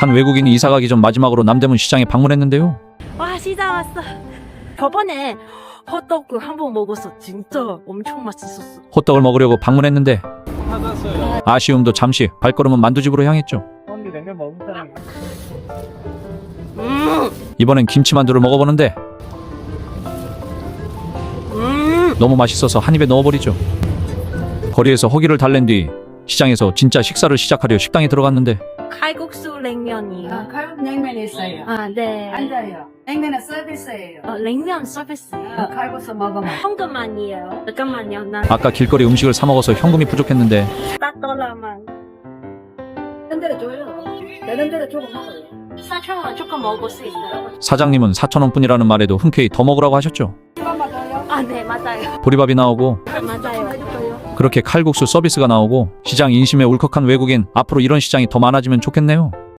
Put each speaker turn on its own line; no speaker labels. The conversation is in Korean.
한 외국인이 이사 가기 전 마지막으로 남대문 시장에 방문했는데요.
와, 시장 왔어. 저번에 헛도그 한 번 먹었어. 진짜 엄청 맛있었어.
호떡을 먹으려고 방문했는데 아쉬움도 잠시 발걸음은 만두집으로 향했죠.
언니 냉면 먹은 사람.
이번엔 김치만두를 먹어보는데 너무 맛있어서 한 입에 넣어버리죠. 거리에서 허기를 달랜 뒤 시장에서 진짜 식사를 시작하려 식당에 들어갔는데
칼국수 냉면이요.
칼국 냉면 있어요.
아, 네.
앉아요. 냉면은 서비스예요.
냉면 서비스요.
칼국수 먹으면.
현금만이에요. 잠깐만요. 나
아까 길거리 음식을 사 먹어서 현금이 부족했는데
$4만.
다른 데로 줘요. 다른 데로 조금 먹어요.
4,000원 조금 먹을 수 있어요.
사장님은 4,000원뿐이라는 말에도 흔쾌히 더 먹으라고 하셨죠.
이것만 줘요.
아, 네, 맞아요.
보리밥이 나오고
맞아요.
그렇게 칼국수 서비스가 나오고 시장 인심에 울컥한 외국인, 앞으로 이런 시장이 더 많아지면 좋겠네요.